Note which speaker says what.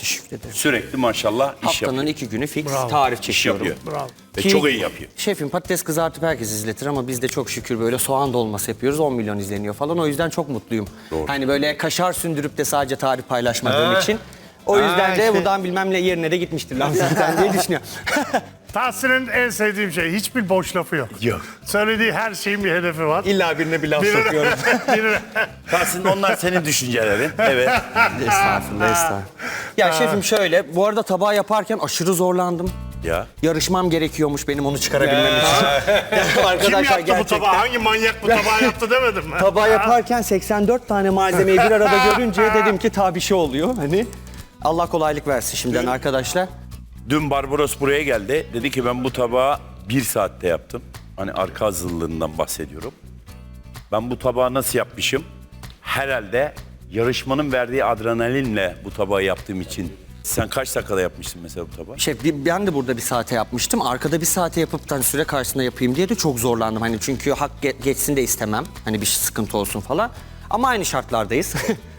Speaker 1: Teşekkür ederim.
Speaker 2: Sürekli maşallah iş
Speaker 1: Haftanın
Speaker 2: yapıyor.
Speaker 1: 2 günü fix
Speaker 3: Bravo.
Speaker 1: tarif
Speaker 2: İş
Speaker 1: çekiyorum.
Speaker 2: yapıyor.
Speaker 3: Bravo.
Speaker 2: Ve
Speaker 1: Ki
Speaker 2: çok iyi yapıyor.
Speaker 1: Şefim patates kızartıp herkes izletir ama biz de çok şükür böyle soğan dolması yapıyoruz. 10 milyon izleniyor falan. O yüzden çok mutluyum.
Speaker 2: Doğru.
Speaker 1: Hani böyle kaşar sündürüp de sadece tarif paylaşmadığım için. O yüzden de buradan bilmem ne yerine de gitmiştir lan zaten diye düşünüyorum.
Speaker 3: Tahsin'in en sevdiğim şey, hiçbir boş lafı yok.
Speaker 2: Yok.
Speaker 3: Söylediği her şeyin bir hedefi var.
Speaker 1: İlla birine bir laf
Speaker 3: Birine-
Speaker 1: sokuyorum.
Speaker 3: birine-
Speaker 2: Aslında onlar senin düşüncelerin. Evet.
Speaker 1: Estağfurullah, estağfurullah. Ya şefim şöyle, bu arada tabağı yaparken aşırı zorlandım.
Speaker 2: Ya.
Speaker 1: Yarışmam gerekiyormuş benim onu çıkarabilmem için.
Speaker 3: Kim
Speaker 1: Arkadaşlar
Speaker 3: yaptı bu
Speaker 1: gerçekten.
Speaker 3: tabağı? Hangi manyak bu tabağı yaptı demedim mi?
Speaker 1: Tabağı yaparken 84 tane malzemeyi bir arada görünce dedim ki ta bir şey oluyor. Hani Allah kolaylık versin şimdiden arkadaşlar.
Speaker 2: Dün Barbaros buraya geldi. Dedi ki ben bu tabağı 1 saatte yaptım. Hani arka hazırlığından bahsediyorum. Ben bu tabağı nasıl yapmışım? Herhalde yarışmanın verdiği adrenalinle bu tabağı yaptığım için. Sen kaç dakikada yapmıştın mesela bu tabağı?
Speaker 1: Şef ben de burada bir saate yapmıştım. Arkada bir saate yapıp da hani süre karşısında yapayım diye de çok zorlandım. Hani çünkü hak geçsin de istemem. Hani bir sıkıntı olsun falan. Ama aynı şartlardayız.